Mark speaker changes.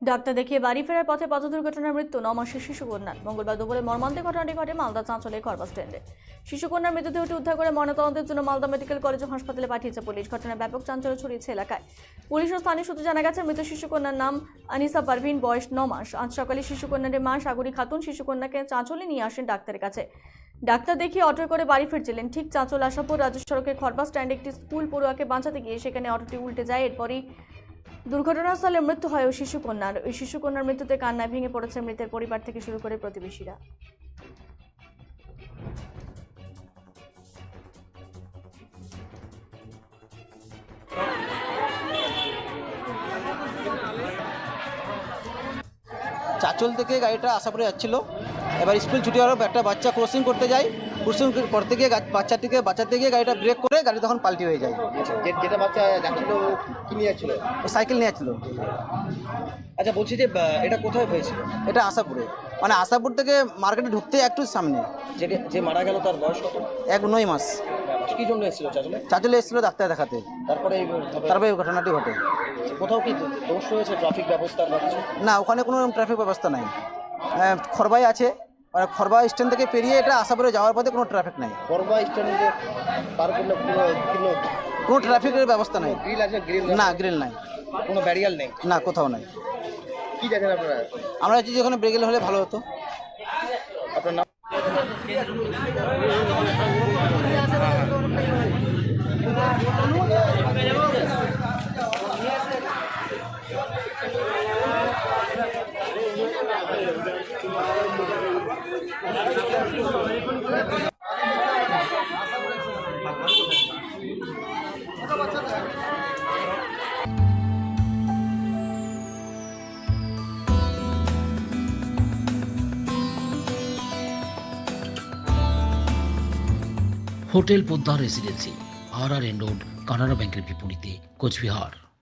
Speaker 1: Doctor দেখিয়ে বাড়ি ফেরার পথে পথ দুর্ঘটনায় মৃত্যু 9 মাসের শিশুকন্যার। মঙ্গলবার দুপুরে মর্মান্তিক ঘটনাটি ঘটে মালদা চাঁচলে খড়বাস স্ট্যান্ডে। শিশুকন্যার মৃতদেহটি উদ্ধার করে ময়নাতদন্তের জন্য মালদা মেডিকেল কলেজ ও হাসপাতালে পাঠিয়েছে পুলিশ। ঘটনায় ব্যাপক চাঞ্চল্য ছড়িয়েছে এলাকায়। পুলিশ ও স্থানীয় সূত্রে জানা গেছে, মৃত শিশুকন্যার নাম আনিসা পারভিন, বয়স 9 মাস। আজ সকালে শিশুকন্যার মা সাগরী খাতুন শিশুকন্যাকে চাঁচলে নিয়ে আসেন ডাক্তারের কাছে। ডাক্তার দেখিয়ে অটোয় করে বাড়ি ফিরছিলেন। ঠিক চাঁচল আশাপুর রাজ্য সড়কে খড়বাস স্ট্যান্ডে একটি স্কুল পড়ুয়াকে বাঁচাতে গিয়ে সেখানে অটোটি উল্টে যায়। এরপরই দুর্ঘটনাস্থলে মৃত্যু হয় ওই শিশুকন্যার। ওই শিশুকন্যার মৃত্যুতে কান্নায় ভেঙে পড়েছে মৃতের পরিবার থেকে শুরু করে প্রতিবেশীরা।
Speaker 2: চাঁচল থেকে গাড়িটা আশাপুরে যাচ্ছিল। এবার স্কুল ছুটি হওয়ার পর একটা বাচ্চা ক্রসিং করতে যায়। ক্রসিং করতে গিয়ে বাচ্চাটিকে বাঁচাতে গিয়ে গাড়িটা ব্রেক করে গাড়ি তখন পাল্টি হয়ে যায়।
Speaker 3: যেটা বাচ্চা যাচ্ছিল কি নিয়ে যাচ্ছিল?
Speaker 2: ও সাইকেল নিয়ে যাচ্ছিল।
Speaker 3: আচ্ছা, বলছি যে এটা কোথায় হয়েছিল?
Speaker 2: এটা আশাপুরে, মানে আশাপুর থেকে মার্কেটে ঢুকতে একটু সামনে।
Speaker 3: যে মারা গেল তার বয়স কত?
Speaker 2: 9 মাস।
Speaker 3: কি জন্য এসেছিল চাচলে?
Speaker 2: চাঁচলে এসেছিল ডাক্তার দেখাতে,
Speaker 3: তারপরে
Speaker 2: তারপরে এই ঘটনাটি ঘটে।
Speaker 3: কোথাও কি দোষ হয়েছে ট্রাফিক ব্যবস্থার বা কিছু?
Speaker 2: না, ওখানে কোনো ট্রাফিক ব্যবস্থা নাই। খড়বাই আছে, আর খড়বা স্ট্যান্ড থেকে পেরিয়ে এটা আশাপুরে যাওয়ার পথে কোনো ট্রাফিক নাই।
Speaker 3: করবা স্ট্যান্ডে পার করলে
Speaker 2: কোনো ট্রাফিকের ব্যবস্থা নাই।
Speaker 3: গ্রিল আছে? গ্রিল
Speaker 2: না, গ্রিল নাই।
Speaker 3: কোনো ব্যারিয়ার নেই?
Speaker 2: না, কোথাও নাই।
Speaker 3: কি জানেন আপনারা?
Speaker 2: আমরা চাইছি ওখানে ব্রেগেল হলে ভালো হতো।
Speaker 3: আপনার নাম?
Speaker 4: Hotel Poddar residency, RRN road, Canara ব্যাংকের বিপরীতে, কোচবিহার।